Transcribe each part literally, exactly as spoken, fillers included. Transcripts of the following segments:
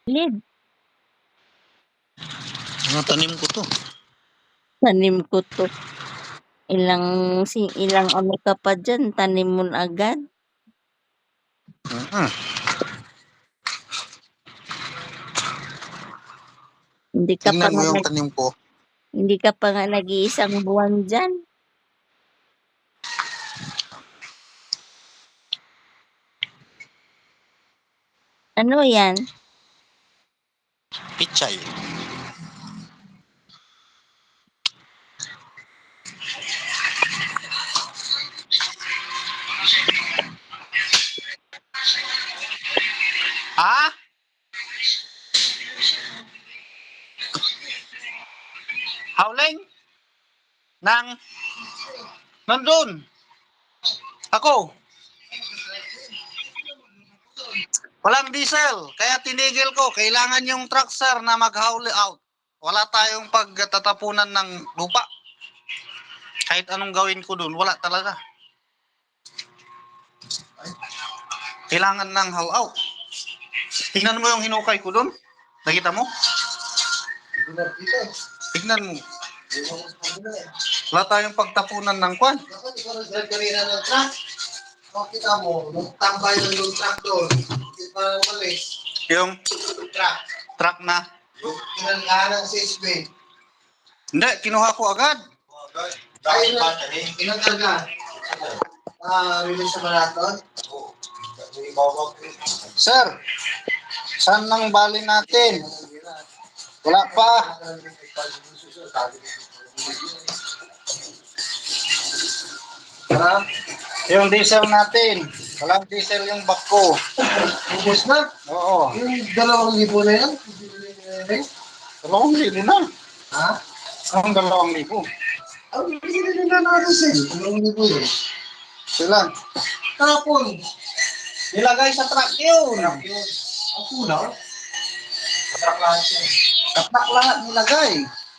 Lid. Mga tanim ko to. Tanim ko to. Ilang si ilang ano ka pa diyan, tanim mo na agad. Uh-huh. Hindi ka pa Tingnan mo nga yung nag, tanim ko. hindi ka pa nga nag-iisang buwan diyan. Ano 'yan? Pichay. Ha? Howling? Nang? Nandun. Ako. Walang diesel. Kaya tinigil ko. Kailangan yung truck, sir, na mag-haul out. Wala tayong pagtatapunan ng lupa. Kahit anong gawin ko dun, wala talaga. Kailangan ng haul out. Tingnan mo yung hinukay ko dun. Nakita mo? Tingnan mo. Wala tayong pagtapunan ng kwan. Kanina ng truck. Makita mo, tambay ng yung truck doon. Hindi pa umalis. Yung Truck. truck na. Yung pinanggahan ng six bay. Hindi, kinuha ko agad. Ay, pinanggahan. Ah, release sa marathon? Sir, saan nang bali natin? Wala pa. Ha? Yung diesel natin. Walang diesel yung bako. Ubus na? Oo. Yung dalawang libo na yan? Dalawang libo na. Ha? Ang dalawang libo. Ang binili nila natin sa'yo. Dalawang libo yun. Sila. Kapon. Nilagay sa truck yun. Ang kulang. Truck lahat yun. Kapak lahat nilagay.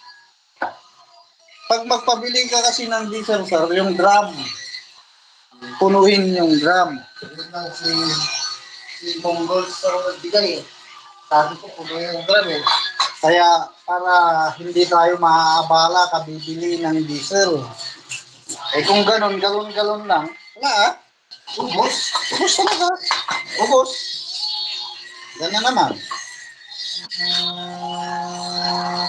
Pag magpabili ka kasi ng diesel, sir, yung drum. Punuin yung drum. Yun lang si si Mongol sa bigay eh. Sabi ko, puno yung drum eh. Kaya para hindi tayo maaabala kabibili ng diesel. Eh kung ganon, galon-galon lang, wala ah. Ubus. Ubus talaga. Ubus. Ganyan naman.